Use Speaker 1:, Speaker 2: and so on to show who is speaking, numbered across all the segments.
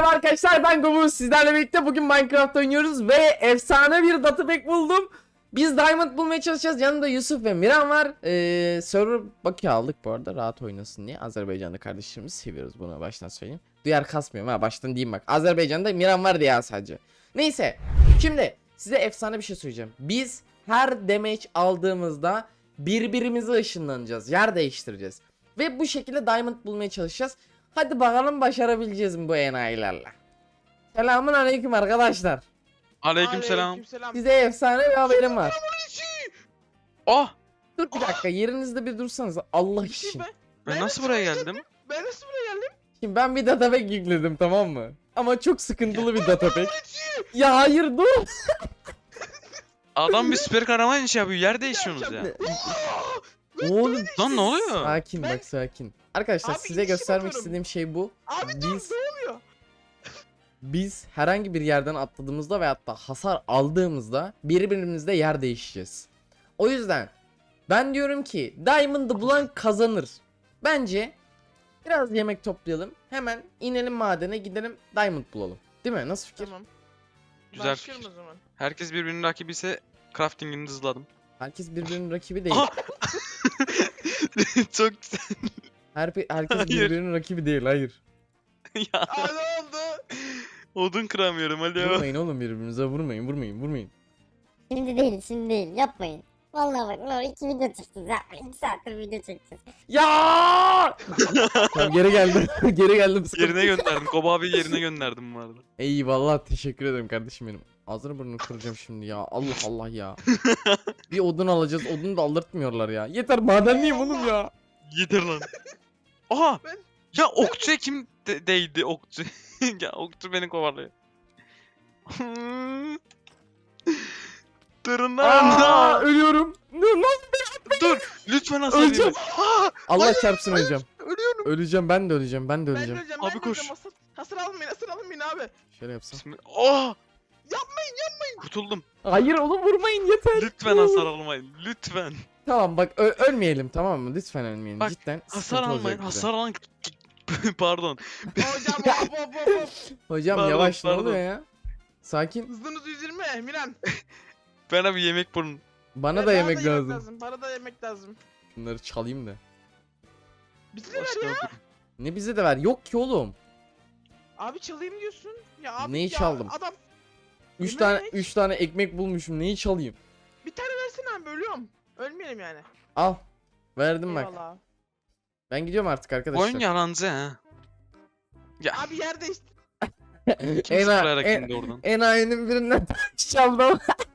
Speaker 1: Merhaba arkadaşlar, ben Gobuz. Sizlerle birlikte bugün Minecraft oynuyoruz ve efsane bir data pack buldum. Biz diamond bulmaya çalışacağız. Yanımda Yusuf ve Miran var. Server bakıyor aldık bu arada, rahat oynasın diye. Azerbaycan'da kardeşlerimizi seviyoruz, bunu baştan söyleyeyim. Duyar kasmıyorum ha, baştan diyeyim bak. Azerbaycan'da Miran var diye sadece. Neyse, şimdi size efsane bir şey söyleyeceğim. Biz her damage aldığımızda birbirimize ışınlanacağız, yer değiştireceğiz. Ve bu şekilde diamond bulmaya çalışacağız. Hadi bakalım başarabileceğiz mi bu enayilerle. Selamun aleyküm arkadaşlar.
Speaker 2: Aleykümselam.
Speaker 1: Size efsane bir haberim var.
Speaker 2: Oh!
Speaker 1: Dur bir dakika, yerinizde bir dursanız Allah
Speaker 3: Bir şey
Speaker 1: için.
Speaker 2: Ben nasıl buraya geldim?
Speaker 3: Ben nasıl buraya geldim?
Speaker 1: Şimdi ben bir datapack yükledim, tamam mı? Ama çok sıkıntılı bir datapack. Ya hayır dur.
Speaker 2: Adam bir süper kahraman iş yapıyor. Yer değişiyorsunuz ya.
Speaker 1: Oğlum
Speaker 2: Lan ne oluyor?
Speaker 1: sakin bak, sakin. Arkadaşlar
Speaker 3: Abi,
Speaker 1: size
Speaker 3: iş
Speaker 1: göstermek
Speaker 3: yapıyorum.
Speaker 1: istediğim şey bu.
Speaker 3: Abi dur,
Speaker 1: Biz
Speaker 3: ne oluyor?
Speaker 1: Biz herhangi bir yerden atladığımızda veyahut da hasar aldığımızda birbirimizle yer değişeceğiz. O yüzden ben diyorum ki Diamond'ı bulan kazanır. Bence biraz yemek toplayalım. Hemen inelim madene, gidelim Diamond bulalım. Değil mi? Nasıl fikir?
Speaker 3: Tamam.
Speaker 2: Güzel
Speaker 3: Başlıyorum
Speaker 2: fikir.
Speaker 3: o zaman.
Speaker 2: Herkes birbirinin rakibi ise crafting'ini hızladım.
Speaker 1: Herkes birbirinin rakibi değil.
Speaker 2: Aha! Çok güzel.
Speaker 1: Herkes
Speaker 2: Hayır.
Speaker 1: birbirinin rakibi değil. Hayır.
Speaker 2: Ya
Speaker 3: Aa ne oldu?
Speaker 2: odun kıramıyorum alo.
Speaker 1: Vurmayın oğlum birbirinize, vurmayın.
Speaker 4: Şimdi değil, şimdi değil. Yapmayın. Vallahi bak, ne olur 2 video çekeceğiz. Yapmayın. 2 saattir video çekeceğiz.
Speaker 1: Ya! Tamam, geri geldim. Geri geldim.
Speaker 2: Yerine gönderdim. Koba abi yerine gönderdim bu arada.
Speaker 1: Eyvallah, teşekkür ederim kardeşim benim. Ağzını burnunu kıracağım şimdi ya. Allah Allah ya. Bir odun alacağız. Odunu da aldırtmıyorlar ya. Yeter, madenliyim oğlum ya.
Speaker 2: Yeter lan. Aha!
Speaker 3: Ben-
Speaker 2: Ya okçuya kim değdi okçu? Ya okçu beni kovalıyor. Tırnağına.
Speaker 1: Ölüyorum.
Speaker 2: Dur lütfen hasar
Speaker 1: Öleceğim.
Speaker 2: yeme.
Speaker 1: Allah çarpsın, öleceğim.
Speaker 3: Ölüyorum.
Speaker 1: Öleceğim, ben de öleceğim.
Speaker 3: Ben de
Speaker 1: Öleceğim.
Speaker 3: öleceğim.
Speaker 2: Abi
Speaker 3: ben de
Speaker 2: koş.
Speaker 3: öleceğim. Hasır almayın abi.
Speaker 1: Şöyle yapsam.
Speaker 2: Oh!
Speaker 3: Yapmayın.
Speaker 2: Kurtuldum.
Speaker 1: Hayır oğlum, vurmayın yeter.
Speaker 2: Lütfen hasar almayın. Lütfen.
Speaker 1: Tamam bak, ölmeyelim, tamam mı? Lütfen ölmeyelim.
Speaker 2: Bak,
Speaker 1: Cidden
Speaker 2: Hasar
Speaker 1: sıkıntı
Speaker 2: almayın.
Speaker 1: olacak bize.
Speaker 2: Hasar alan... Pardon.
Speaker 3: Hocam hop.
Speaker 1: Hocam
Speaker 2: Pardon,
Speaker 1: yavaş, ne
Speaker 2: pardon.
Speaker 1: oluyor ya? Sakin.
Speaker 3: Hızınız 120 Miran.
Speaker 2: Bana bir yemek bulun.
Speaker 1: Bana da yemek lazım.
Speaker 3: Bana da yemek lazım.
Speaker 1: Bunları çalayım da.
Speaker 3: Bizi de ver
Speaker 2: Başka
Speaker 3: ya.
Speaker 2: yok.
Speaker 1: Ne bize de ver? Yok ki oğlum.
Speaker 3: Abi çalayım diyorsun. Ya abi
Speaker 1: Neyi
Speaker 3: ya,
Speaker 1: çaldım?
Speaker 3: Adam
Speaker 1: 3
Speaker 3: Yemek
Speaker 1: tane
Speaker 3: ne?
Speaker 1: 3 tane ekmek bulmuşum. Neyi çalayım?
Speaker 3: bir tane versene abi, ölüyorum. Ölmeyelim yani.
Speaker 1: Al. Verdim bak.
Speaker 3: Eyvallah.
Speaker 1: Ben gidiyorum artık arkadaşlar.
Speaker 2: Oyun yalancı ha. Ya
Speaker 3: Abi yer değişti.
Speaker 2: kim sıfırlayarak indi oradan?
Speaker 1: Enayinin birinden çaldım.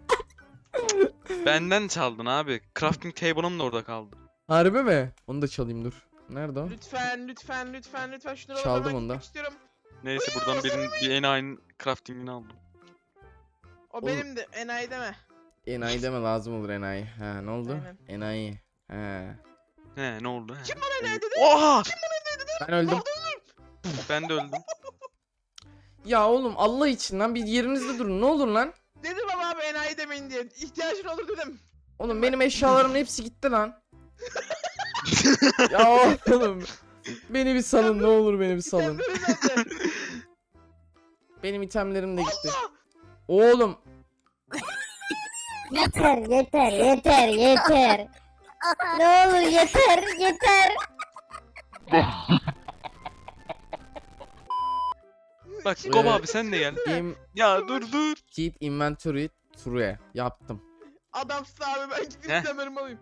Speaker 2: Benden çaldın abi. Crafting table'ım da orada kaldı.
Speaker 1: Harbi mi? Onu da çalayım, dur. Nerede o?
Speaker 3: Lütfen şunları
Speaker 1: Çaldım
Speaker 3: ben
Speaker 1: onu da.
Speaker 3: gitmek istiyorum.
Speaker 2: Neyse buradan bir enayinin crafting'ini aldım.
Speaker 3: O
Speaker 1: Oğlum.
Speaker 3: benim de enayi deme.
Speaker 1: Enayi deme, lazım olur enayi. Ha, ne oldu?
Speaker 3: Aynen.
Speaker 1: Enayi. He.
Speaker 2: He ne oldu?
Speaker 3: Kim bana enayi dedi?
Speaker 2: Oha!
Speaker 1: Ben öldüm.
Speaker 2: Ben de öldüm.
Speaker 1: Ya oğlum, Allah için lan bir yerinizde durun, ne olur lan.
Speaker 3: Dedim ama abi enayi demeyin diye. İhtiyacın olur dedim.
Speaker 1: Oğlum benim eşyalarımın hepsi gitti lan. Ya oğlum. Beni bir salın, ne olur beni bir salın.
Speaker 3: İtemleri nerede?
Speaker 1: Benim itemlerim de gitti. Oğlum.
Speaker 4: Yeter, yeter. Ne olur yeter.
Speaker 2: Bak
Speaker 3: Şimdi-
Speaker 2: Koba abi sen de gel.
Speaker 1: Game
Speaker 2: Ya dur.
Speaker 1: Keep Inventory True yaptım.
Speaker 3: Adamsın abi, ben gidip
Speaker 2: Heh.
Speaker 3: itemlerimi alayım.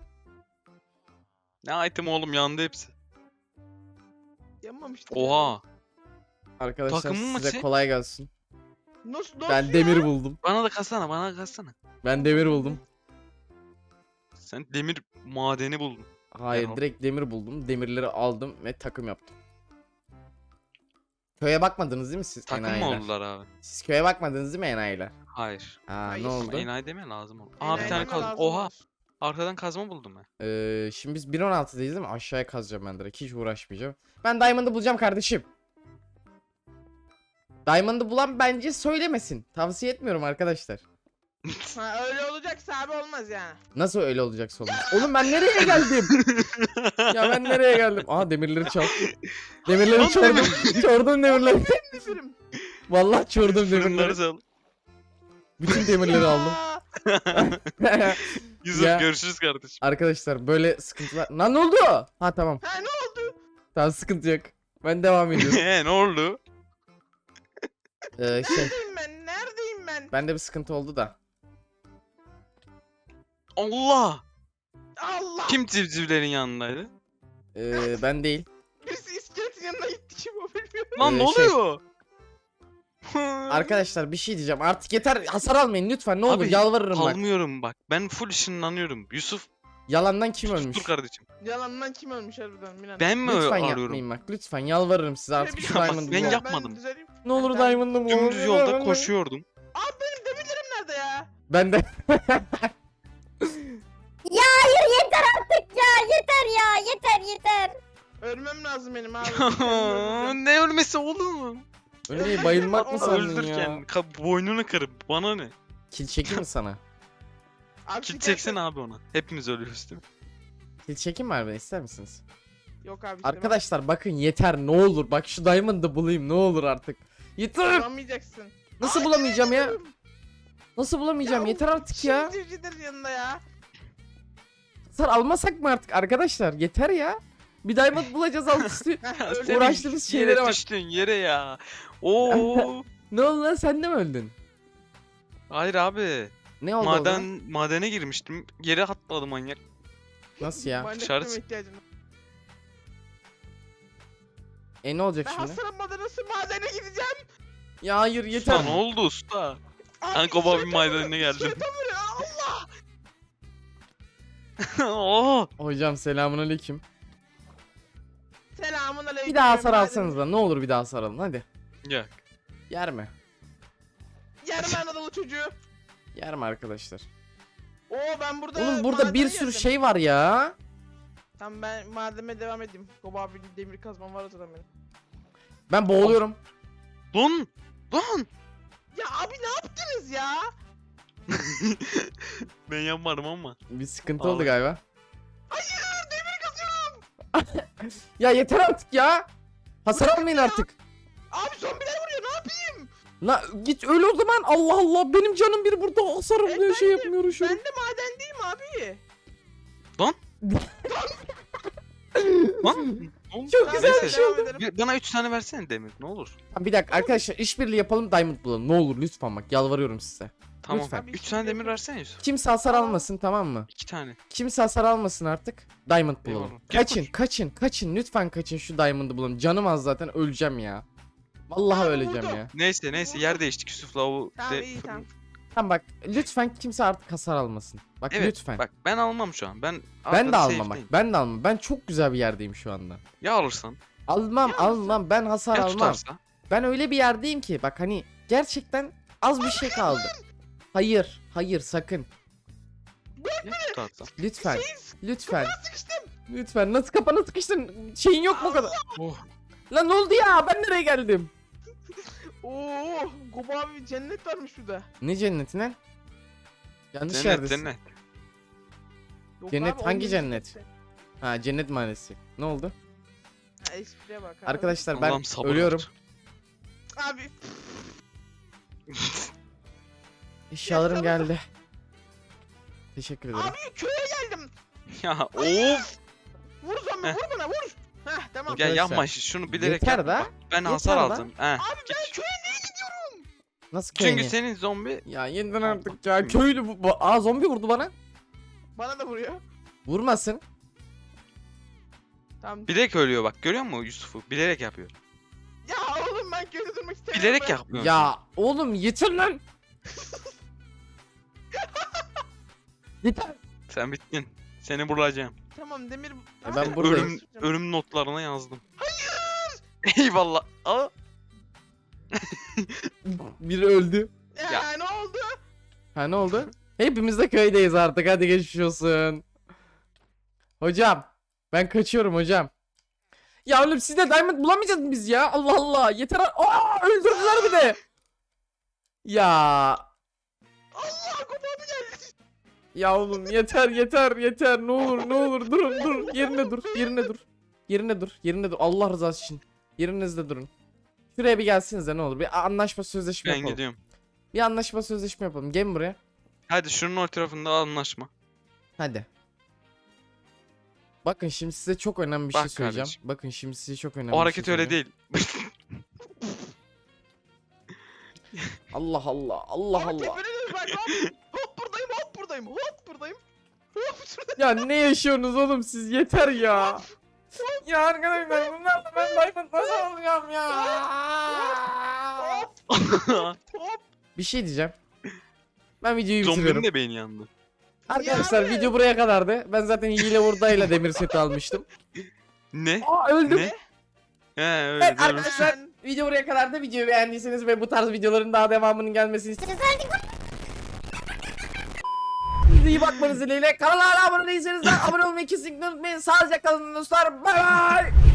Speaker 2: Ne item oğlum yandı hepsi.
Speaker 3: Yanmamıştı.
Speaker 2: Oha.
Speaker 1: Arkadaşlar
Speaker 2: Takımın
Speaker 1: size
Speaker 2: maçı.
Speaker 1: kolay gelsin.
Speaker 3: Nasıl
Speaker 1: Ben
Speaker 3: ya?
Speaker 1: demir buldum.
Speaker 2: Bana da katsana.
Speaker 1: Ben demir buldum.
Speaker 2: Sen demir madeni buldun.
Speaker 1: Hayır,
Speaker 2: Ben o-
Speaker 1: direkt demir buldum. Demirleri aldım ve takım yaptım. Köye bakmadınız değil mi siz
Speaker 2: Takım mı
Speaker 1: enayiler?
Speaker 2: oldular abi?
Speaker 1: Siz köye bakmadınız değil mi enayiler?
Speaker 2: Hayır.
Speaker 3: Hayır.
Speaker 1: Ne oldu?
Speaker 2: Enayi deme lazım olur. Aa
Speaker 3: Enayi
Speaker 2: bir tane
Speaker 3: deme
Speaker 2: kazma.
Speaker 3: lazım
Speaker 2: Oha.
Speaker 3: olur.
Speaker 2: Arkadan kazma buldum ben.
Speaker 1: Şimdi biz 1.16'dayız değil mi? Aşağıya kazacağım ben direkt. Hiç uğraşmayacağım. Ben Diamond'ı bulacağım kardeşim. Diamond'ı bulan bence söylemesin. Tavsiye etmiyorum arkadaşlar.
Speaker 3: Ha, öyle olacaksa abi olmaz yani.
Speaker 1: Nasıl öyle olacaksa olmaz. Oğlum ben nereye geldim? Ya ben nereye geldim? Aha demirleri çal. Demirleri
Speaker 2: Lan
Speaker 1: çordum. Çordum demirleri.
Speaker 3: Demirim.
Speaker 1: Vallahi çordum
Speaker 2: Fırınları
Speaker 1: demirleri.
Speaker 2: sal.
Speaker 1: Bütün demirleri aldım.
Speaker 3: Aa,
Speaker 2: Yusuf
Speaker 1: Ya.
Speaker 2: görüşürüz kardeşim.
Speaker 1: Arkadaşlar böyle sıkıntılar. Lan ne oldu? Ha tamam.
Speaker 3: Ha ne oldu?
Speaker 1: Tamam sıkıntı yok. Ben devam ediyorum.
Speaker 2: Ne oldu?
Speaker 1: Şey
Speaker 3: Neredeyim ben? Neredeyim ben?
Speaker 1: bende bir sıkıntı oldu da.
Speaker 2: Allah!
Speaker 3: Allah!
Speaker 2: Kim civcivlerin yanındaydı?
Speaker 1: Ben değil.
Speaker 3: Birisi iskeletin yanına gitti kim o bilmiyorum.
Speaker 2: Lan ne
Speaker 1: Şey-
Speaker 2: oluyor?
Speaker 1: Arkadaşlar bir şey diyeceğim. Artık yeter. Hasar almayın lütfen. Ne olur
Speaker 2: Abi,
Speaker 1: yalvarırım bak.
Speaker 2: Kalmıyorum bak. Ben full ışınlanıyorum. Yusuf
Speaker 1: Yalandan kim ölmüş?
Speaker 2: dur kardeşim.
Speaker 3: Yalandan kim ölmüş harbiden Miran?
Speaker 2: Ben mi
Speaker 1: Lütfen
Speaker 2: arıyorum?
Speaker 1: yapmayın bak. Lütfen yalvarırım size artık
Speaker 3: Bir
Speaker 1: şu
Speaker 3: şey
Speaker 2: yapma,
Speaker 1: Diamond'ı.
Speaker 2: ben
Speaker 1: bulun.
Speaker 2: yapmadım.
Speaker 3: düzeleyim.
Speaker 1: Ne olur
Speaker 3: Ben-
Speaker 1: Diamond'ı bulun.
Speaker 2: Dümdüz yolda koşuyordum.
Speaker 3: Abi benim demirlerim nerede ya?
Speaker 1: Ben de.
Speaker 4: Ya hayır yeter artık ya yeter ya yeter.
Speaker 3: Ölmem lazım benim abi. Kendimi öldüreceğim.
Speaker 2: Ne ölmesi oğlum?
Speaker 1: Ölmeyi bayılmak mı
Speaker 3: Onu
Speaker 1: sandın
Speaker 2: Öldürken
Speaker 1: ya?
Speaker 2: boynunu kırıp bana ne?
Speaker 1: Kil çekeyim mi sana?
Speaker 3: Abi
Speaker 2: Kil
Speaker 3: sikersen-
Speaker 2: çeksene abi ona. Hepimiz ölüyoruz değil mi?
Speaker 1: Kil çekeyim mi harbiden ister misiniz?
Speaker 3: Yok abi.
Speaker 1: Arkadaşlar bakın yeter ne olur. Bak şu Diamond'ı bulayım ne olur artık. Yeter.
Speaker 3: Bulamayacaksın.
Speaker 1: Nasıl bulamayacağım ya? Nasıl bulamayacağım? Yeter artık ya.
Speaker 3: Civcivlerin yanında ya.
Speaker 1: Hasar almasak mı artık arkadaşlar? Yeter ya. Bir Diamond bulacağız alt üstü.
Speaker 3: Heh,
Speaker 2: Ya
Speaker 3: öldüm.
Speaker 2: senin
Speaker 1: Uğraştığımız
Speaker 2: yere
Speaker 1: şeylere bak.
Speaker 2: düştün yere ya. Oo.
Speaker 1: Ne oldu lan sen de mi öldün?
Speaker 2: Hayır abi.
Speaker 1: Ne oldu o zaman?
Speaker 2: Madene girmiştim. Yere atladı manyak.
Speaker 1: Nasıl ya?
Speaker 3: Ben de
Speaker 2: Dışarı
Speaker 3: yardıma
Speaker 2: çık.
Speaker 3: ihtiyacım var.
Speaker 1: Ne olacak
Speaker 3: Ben
Speaker 1: şimdi?
Speaker 3: hasar almadan nasıl madene gideceğim?
Speaker 1: Ya hayır yeter.
Speaker 2: Usta ne oldu usta? Ben
Speaker 3: Abi,
Speaker 2: Koba bir
Speaker 3: sırtım
Speaker 2: madenine
Speaker 3: vuruyor,
Speaker 2: geldim.
Speaker 3: sırtım vuruyor, Allah!
Speaker 2: Oo.
Speaker 1: Hocam selamünaleyküm.
Speaker 3: Selamun aleyküm.
Speaker 1: Bir daha hasar
Speaker 3: madem-
Speaker 1: alsanız da ne olur bir daha hasar alın hadi.
Speaker 2: Ya.
Speaker 1: Yer mi?
Speaker 3: Yarım Anadolu çocuğu.
Speaker 1: Yer mi arkadaşlar?
Speaker 3: Oo ben burada
Speaker 1: Oğlum burada bir
Speaker 3: madene
Speaker 1: sürü
Speaker 3: geldim.
Speaker 1: şey var ya.
Speaker 3: Tamam ben mademe devam edeyim. Koba abi demir kazmam var zaten benim.
Speaker 1: Ben boğuluyorum.
Speaker 2: Lan. Lan.
Speaker 3: Ya abi ne yaptınız ya?
Speaker 2: Ben yapmadım ama.
Speaker 1: Bir sıkıntı oldu
Speaker 2: Vallahi.
Speaker 1: galiba.
Speaker 3: Hayır demir kazıyorum.
Speaker 1: Ya yeter artık ya. Hasar almayın artık.
Speaker 3: Abi zombiler vuruyor ne yapayım?
Speaker 1: La git öl o zaman. Allah Allah benim canım bir burada hasar alıyor şey yapmıyor
Speaker 3: Ben
Speaker 1: şu.
Speaker 3: de madendeyim abi.
Speaker 2: Lan. Ne oldu?
Speaker 1: Çok
Speaker 3: Tamam,
Speaker 1: güzel
Speaker 2: Neyse.
Speaker 1: bir şey oldu.
Speaker 3: devam ederim.
Speaker 2: Bana 3 tane versene demir ne olur.
Speaker 1: Bir dakika arkadaşlar işbirliği yapalım Diamond bulalım. Ne olur lütfen bak yalvarıyorum size.
Speaker 2: Tamam.
Speaker 1: Lütfen.
Speaker 2: 3 tane demir versene Yusuf.
Speaker 1: Kimse hasar
Speaker 3: Tamam.
Speaker 1: almasın tamam mı?
Speaker 2: 2 tane.
Speaker 1: Kimse hasar almasın artık. Diamond bulalım.
Speaker 2: Eyvallah. Gel
Speaker 1: Kaçın
Speaker 2: koş.
Speaker 1: kaçın lütfen kaçın şu Diamond'ı bulalım. Canım az zaten öleceğim ya. Vallahi
Speaker 3: Abi
Speaker 1: öleceğim
Speaker 3: vurdu.
Speaker 1: ya.
Speaker 2: Neyse yer değiştik Yusuf'la o
Speaker 3: Tamam
Speaker 2: de-
Speaker 3: iyi tamam.
Speaker 1: Tamam bak lütfen kimse artık hasar almasın. Bak
Speaker 2: Evet
Speaker 1: lütfen.
Speaker 2: bak ben almam şu an. Ben
Speaker 1: ben de
Speaker 2: arkada
Speaker 1: almam bak.
Speaker 2: safe'deyim.
Speaker 1: Ben de almam. Ben çok güzel bir yerdeyim şu anda.
Speaker 2: Ya alırsan?
Speaker 1: Almam
Speaker 3: Ya
Speaker 1: almam ben hasar
Speaker 2: Ya
Speaker 1: almam.
Speaker 2: tutarsa?
Speaker 1: Ben öyle bir yerdeyim ki bak hani gerçekten az bir şey kaldı. Hayır sakın.
Speaker 2: Ya tutarsa?
Speaker 1: Lütfen.
Speaker 3: Şeyiz.
Speaker 1: Lütfen.
Speaker 3: Sıkıştım.
Speaker 1: Lütfen. Nasıl kapana sıkıştın? Şeyin yok mu o kadar?
Speaker 2: Oh.
Speaker 1: Lan ne oldu ya? Ben nereye geldim?
Speaker 3: Oo Koba abi cennet varmış şurada.
Speaker 1: Ne cenneti lan? Yanlış
Speaker 2: Cennet
Speaker 1: yerdesin.
Speaker 2: cennet.
Speaker 3: Yok
Speaker 1: Cennet
Speaker 3: abi,
Speaker 1: hangi
Speaker 3: onun
Speaker 1: cennet?
Speaker 3: cenneti.
Speaker 1: Ha cennet mahallesi. Ne oldu?
Speaker 3: Ha espriye bak abi.
Speaker 1: Arkadaşlar ben
Speaker 2: Allah'ım sabır
Speaker 1: ölüyorum.
Speaker 2: ver.
Speaker 3: Abi
Speaker 1: Eşyalarım
Speaker 3: Ya,
Speaker 1: geldi. Teşekkür ederim.
Speaker 3: abi köye geldim.
Speaker 2: Ya of.
Speaker 3: Vur zombi
Speaker 2: Heh.
Speaker 3: vur bana vur. Heh tamam.
Speaker 2: Ya
Speaker 1: Arkadaşlar,
Speaker 2: yapma şunu bilerek
Speaker 1: yeter
Speaker 2: yapma.
Speaker 1: da,
Speaker 2: Bak, ben
Speaker 1: yeter
Speaker 2: hasar
Speaker 1: da.
Speaker 2: aldım. He.
Speaker 3: Abi ben köye niye gidiyorum?
Speaker 1: Nasıl
Speaker 2: Çünkü
Speaker 1: köyni?
Speaker 2: senin zombi
Speaker 1: Ya yeniden artık ya köylü bu. Aa zombi vurdu bana.
Speaker 3: Bana da vuruyor.
Speaker 1: Vurmasın.
Speaker 3: Tamam.
Speaker 2: bilerek ölüyor bak görüyor musun Yusuf'u? Bilerek yapıyor.
Speaker 3: Ya oğlum ben köyde durmak istemiyorum.
Speaker 2: Bilerek
Speaker 3: ben.
Speaker 2: yapmıyor.
Speaker 1: Ya oğlum yeter lan. Yeter.
Speaker 2: Sen bittin. Seni bulacağım.
Speaker 3: Tamam demir.
Speaker 1: ben buradayım.
Speaker 2: Ölüm notlarına yazdım. Hayır. Eyvallah. Aa.
Speaker 1: Biri öldü.
Speaker 3: Ya ne oldu?
Speaker 1: Ha ne oldu? Hepimiz de köydeyiz artık. Hadi geçmiş olsun. Hocam. Ben kaçıyorum hocam. Ya oğlum siz de diamond bulamayacağız mı biz ya? Allah Allah. Yeter. Aa öldürdüler bir de. Ya.
Speaker 3: Allah Kobo abi geldi.
Speaker 1: Ya oğlum yeter ne olur durun yerine dur Allah rızası için yerinizde durun. Şuraya bir gelsinize ne olur bir anlaşma sözleşme
Speaker 2: Ben
Speaker 1: yapalım.
Speaker 2: gidiyorum.
Speaker 1: Bir anlaşma sözleşme yapalım gelin buraya
Speaker 2: Hadi şunun o tarafında anlaşma.
Speaker 1: hadi. Bakın şimdi size çok önemli bir şey
Speaker 2: Bak
Speaker 1: söyleyeceğim.
Speaker 2: kardeşim.
Speaker 1: Bakın şimdi size çok önemli
Speaker 2: O
Speaker 1: bir şey
Speaker 2: hareket öyle
Speaker 1: söyleyeceğim.
Speaker 2: değil.
Speaker 1: Allah
Speaker 3: Abi
Speaker 1: Allah.
Speaker 3: tepene dön bak hop. Hop buradayım. Hop buradayım.
Speaker 1: Ya ne yaşıyorsunuz oğlum siz yeter ya. Ya arkadaşlar bunlarla ben Diamond nasıl alacağım ya?
Speaker 3: Hop.
Speaker 1: Bir şey diyeceğim. Ben videoyu
Speaker 2: Zombinin
Speaker 1: bitiriyorum.
Speaker 2: de beyni yandı.
Speaker 1: Arkadaşlar
Speaker 3: Ya abi.
Speaker 1: video buraya kadardı. Ben zaten hile hurdayla demir seti almıştım.
Speaker 2: Ne?
Speaker 1: Aa öldüm.
Speaker 2: Ne? He öyle
Speaker 1: Evet
Speaker 2: doğru.
Speaker 1: arkadaşlar video buraya kadardı. Videoyu beğendiyseniz ve bu tarz videoların daha devamının gelmesini istiyorsanız iyi bakmanız dileğiyle. Kanala hala abone değilseniz de abone olmayı kesinlikle unutmayın. Sağlıcakla kalın dostlar. Bay bay.